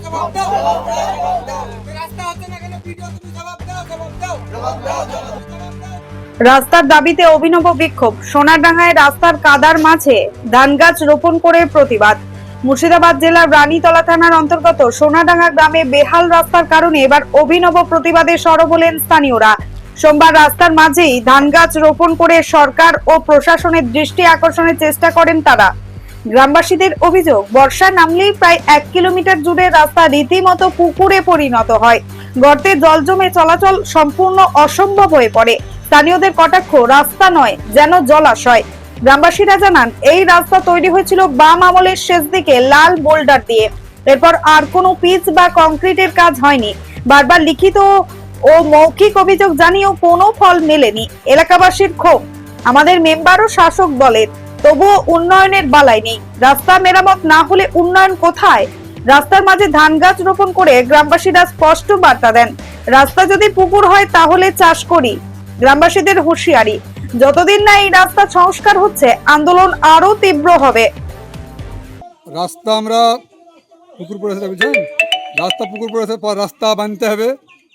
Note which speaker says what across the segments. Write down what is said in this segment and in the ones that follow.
Speaker 1: রাস্তার দাবিতে অভিনব বিক্ষোভ। সোনারডাঙ্গায় রাস্তার কাদার মাঝে ধান গাছ রোপণ করে প্রতিবাদ। মুর্শিদাবাদ জেলার রানীতলা থানার অন্তর্গত সোনারডাঙ্গা গ্রামে বেহাল রাস্তার কারণে এবার অভিনব প্রতিবাদে সরব হলেন স্থানীয়রা। সোমবার রাস্তার মাঝেই ধান গাছ রোপণ করে সরকার ও প্রশাসনের দৃষ্টি আকর্ষণের চেষ্টা করেন তারা। গ্রামবাসীদের অভিযোগ, বর্ষা নামলেই প্রায় 1 কিলোমিটার জুড়ে রাস্তা রীতিমতো পুকুরে পরিণত হয়। গর্তে জল জমে চলাচল সম্পূর্ণ অসম্ভব হয়ে পড়ে। স্থানীয়দের কটাক্ষ, রাস্তা নয় যেন জলাশয়। গ্রামবাসীরা জানান, এই রাস্তা তৈরি হয়েছিল বাম আমলের শেষ দিকে লাল বোল্ডার দিয়ে। এরপর আর কোনো পিচ বা কংক্রিটের কাজ হয়নি। বারবার লিখিত ও মৌখিক অভিযোগ জানিয়েও কোনো ফল মেলেনি। এলাকাবাসীর ক্ষোভ, আমাদের মেম্বার ও শাসক দলের, তবুও উন্নয়নের বালাই নেই। রাস্তা মেরামত না হলে উন্নয়ন কোথায়? রাস্তার মাঝে ধান গাছ রোপণ করে গ্রামবাসীরা স্পষ্ট বার্তা দেন, রাস্তা যদি পুকুর হয় তাহলে চাষ করি। গ্রামবাসীদের হুঁশিয়ারি, যতদিন না এই রাস্তা সংস্কার হচ্ছে আন্দোলন আরো তীব্র হবে।
Speaker 2: রাস্তা আমরা পুকুর পড়েছে, বুঝছেন? রাস্তা পুকুর পড়েছে, পর রাস্তা বানতে হবে।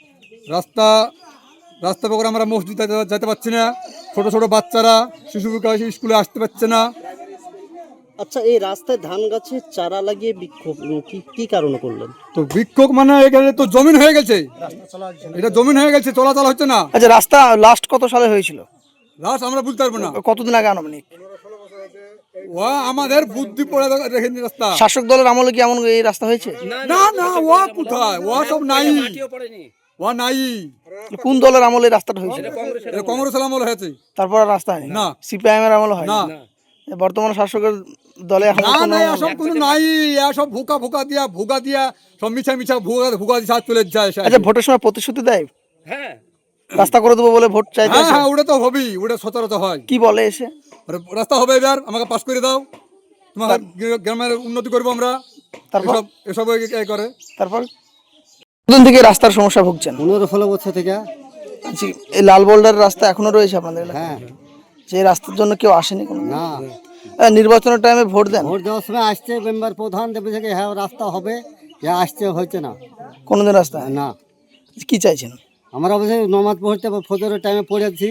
Speaker 2: রাস্তা পুকুর আমরা মসজিদ যেতে পারছি না। ছোট ছোট বাচ্চারা, শিশু বিকাশ স্কুলে আসতে পারছে না।
Speaker 3: আচ্ছা, এই রাস্তায় ধান গাছের চারা লাগিয়ে বিক্ষোভ কি কারণে করলেন?
Speaker 2: তো বিক্ষোভ মানে এখানে তো জমিন হয়ে গেছে, এটা জমিন হয়ে গেছে, চলাচল হচ্ছে না।
Speaker 4: আচ্ছা, রাস্তা লাস্ট কত সালে হয়েছিল?
Speaker 2: লাস্ট আমরা বুঝতে পারবো না,
Speaker 4: কতদিন আগে আনুমানিক?
Speaker 2: ও আমাদের বুদ্ধি পড়ে রেখেছি রাস্তা।
Speaker 4: শাসক দলের আমলে কি এমন এই রাস্তা হয়েছে?
Speaker 2: না না, ও কোথায়, ও সব নাই, ও নাই।
Speaker 4: কোন দলের আমলে রাস্তাটা হয়েছিল?
Speaker 2: কংগ্রেসের আমল হয়েছে।
Speaker 4: তারপর আর রাস্তা হয়নি?
Speaker 2: না।
Speaker 4: সিপিআইএম এর আমলে হয়
Speaker 2: না।
Speaker 4: বর্তমান শাসকের দলে এখন
Speaker 2: না, এসব কোনো নাই। এসব ভুকা দিয়া সব মিছা ভুকা দিয়ে চলে যায়।
Speaker 4: আচ্ছা, ভোটের সময় প্রতিশ্রুতি দেয়, হ্যাঁ, রাস্তা করে দেবো বলে ভোট চাইতে।
Speaker 2: হ্যাঁ, ওটা তো হবেই, ওটা সচরাচর হয়।
Speaker 4: কি বলে এসে?
Speaker 2: রাস্তা হবে, এবার আমাকে পাস করে দাও, তোমার গ্রামের উন্নতি করবো আমরা।
Speaker 4: তারপর
Speaker 2: এসব করে।
Speaker 4: তারপর কতদিন থেকে রাস্তার সমস্যা ভুগছেন?
Speaker 3: 15-16 বছর থেকে।
Speaker 4: আচ্ছা, এই লাল বোল্ডার রাস্তা এখনো রয়েছে আপনাদের এলাকায়?
Speaker 3: হ্যাঁ।
Speaker 4: যে রাস্তার জন্য কেউ আসেনি কোনো?
Speaker 3: না।
Speaker 4: নির্বাচনের টাইমে ভোট দেন?
Speaker 3: ভোট দেওয়ার সময় আসছে মেম্বার প্রধান দেবে থেকে হ্যাঁ রাস্তা হবে, আসছে হয়েছে না
Speaker 4: কোনোদিন রাস্তা
Speaker 3: না।
Speaker 4: কি চাইছেন?
Speaker 3: আমরা অবশ্যই নমাজ পড়তে ফজরের টাইমে পড়েছি,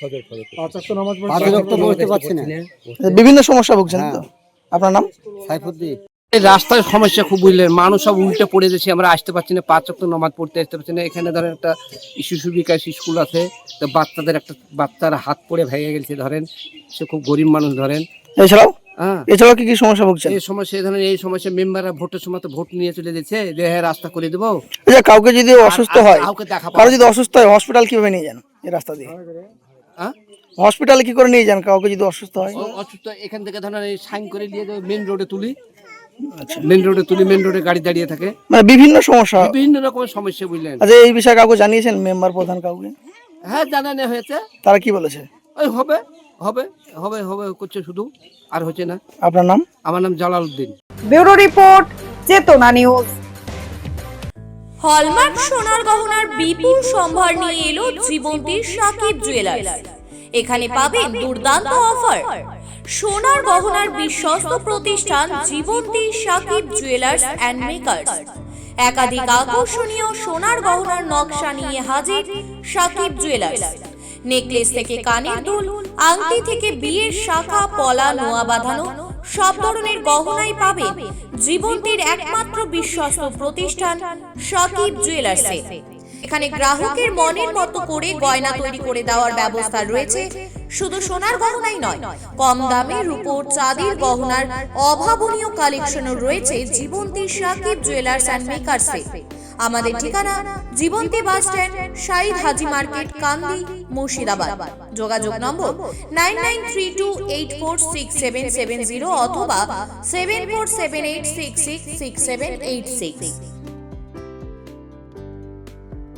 Speaker 3: পড়তে পারছি না।
Speaker 4: বিভিন্ন সমস্যা ভুগছেন তো? আপনার নাম?
Speaker 3: সাইফুদ্দিন।
Speaker 5: এই রাস্তার সমস্যা খুব, বুঝলেন, মানুষ সব উল্টে পড়ে যাচ্ছে, আমরা আসতে পারছি না, 5 ওয়াক্ত নামাজ পড়তে আসতে পারছি না। এখানে ধরেন একটা শিশু বিকাশ স্কুল আছে, তো বাচ্চার হাত পড়ে ভেঙে গেছে, ধরেন সে খুব গরিব মানুষ, ধরেন।
Speaker 4: এছাড়াও কি সমস্যা ভুগছেন?
Speaker 5: এই সমস্যা মেম্বাররা ভোটের সময় তো ভোট নিয়ে চলে যাচ্ছে, যে হ্যাঁ রাস্তা করে দেবো।
Speaker 4: আচ্ছা, কাউকে যদি অসুস্থ হয়, কারো যদি অসুস্থ হয়, হসপিটাল কিভাবে নিয়ে যান এই রাস্তা দিয়ে? হসপিটালে কি করে নিয়ে যান কাউকে যদি অসুস্থ হয়?
Speaker 5: অসুস্থ এখান থেকে ধরেন সাইন করে নিয়ে মেন রোডে তুলি, মেন রোডে গাড়ি দাঁড়িয়ে থাকে।
Speaker 4: মানে বিভিন্ন সমস্যা,
Speaker 5: বিভিন্ন রকমের সমস্যা, বুঝলেন।
Speaker 4: আচ্ছা, এই বিষয়ে কাউকে জানিয়েছেন, মেম্বার প্রধান কাউকে?
Speaker 5: হ্যাঁ, জানানো হয়েছে।
Speaker 4: তারা কি বলেছে?
Speaker 5: ওই হবে হবে হবে হবে করছে, শুধু আর হচ্ছে না।
Speaker 4: আপনার নাম?
Speaker 5: আমার নাম Jalal Uddin.
Speaker 1: Bureau report, Chetana news.
Speaker 6: Hallmark সোনার গহনার বিপুল সম্ভার নিয়ে এলো জীবন্তীর সাকিব জুয়েলার্স। এখানে পাবেন দুর্দান্ত অফার। সোনার গহনার বিশ্বস্ত প্রতিষ্ঠান Jibanti Sakib jewellers and makers. একাধিক আকর্ষণীয় সোনার গহনার নকশা নিয়ে হাজির সাকিব জুয়েলার্স। নেকলেস থেকে কানের দুল, আংটি থেকে বিয়ের শাখা, পলা, নোয়া বাঁধানো সব ধরনের গহনাই পাবেন জীবন্তীর একমাত্র বিশ্বস্ত প্রতিষ্ঠান সাকিব জুয়েলার্সে। এখানে গ্রাহকের মনের মতো করে গয়না তৈরি করে দেওয়ার ব্যবস্থা রয়েছে। শুধু সোনার গহনাই নয়, কম দামে রূপোর চাঁদির গহনার অভাবনীয় কালেকশনও রয়েছে জীবন্তী সাকিব জুয়েলার্স অ্যান্ড মেকার্সে। আমাদের ঠিকানা Jibanti bus stand, Shahid Haji market, Kandi, Murshidabad. যোগাযোগ নম্বর 9932846770 অথবা 7478666786।